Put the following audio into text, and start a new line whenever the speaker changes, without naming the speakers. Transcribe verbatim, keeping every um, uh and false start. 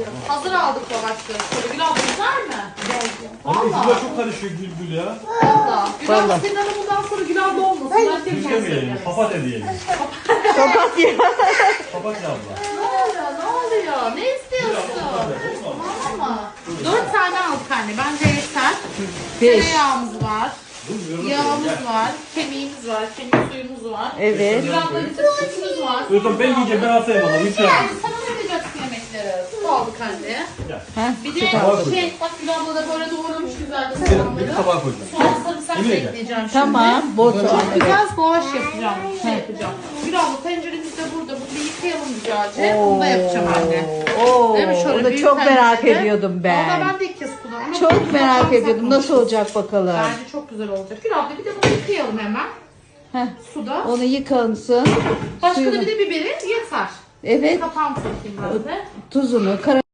Hazır aldık lavaşları. Şöyle Gül abla güzel mi?
Ama
Valla.
isimler çok karışıyor Gül Gül ya.
Valla. Gül abla
Vallahi.
senin adın bundan sonra Gül abla olmasın. Ben tek
Gül
kendisi
demeyelim.
yaparız.
Papatya diyelim.
Papatya.
Papatya abla.
Ne oluyor? Ne oluyor? Ne istiyorsun? Tamam mı? Dört tane aldık anne. Bence yeter.
Beş.
Tereyağımız var.
Dur, yorum
Yağımız
yapayım,
var. Kemiğimiz var. Kemik suyumuz var.
Evet.
Gül abla bizim sütümüz var.
gel. Özlem ben yiyeceğim, ben atayım ona. Lütfen.
Yani sana ne vereceksin yemekleri? Su aldık anne.
Heh,
Bir de
Tabağa koy.
şey, bak Gül abla da böyle doğramış güzelce
Bir
soğanları.
tabağa koyacağım.
Soğan sarımsak
Yemin
da
ederim.
ekleyeceğim şimdi.
Tamam. Bol soğan.
Çok
Evet.
güzel savaş yapacağım. Şey yapacağım. Gül abla tenceremiz de burada. Bunu bir yıkayalım güzelce. Bunu da yapacağım anne.
Oo,
Değil mi? Şöyle
onu
büyük
çok merak
tencerede.
ediyordum ben.
Valla ben de ilk kez kullanıyorum.
Çok merak ediyordum. Nasıl olacak bakalım.
Bence çok güzel olacak. Gül abla bir de bunu yıkayalım hemen.
Heh,
Suda.
onu yıkansın.
Başka da
Suyunu-
bir de biberi yeter.
Evet.
Kapağını takayım ben de.
Tuzunu, kara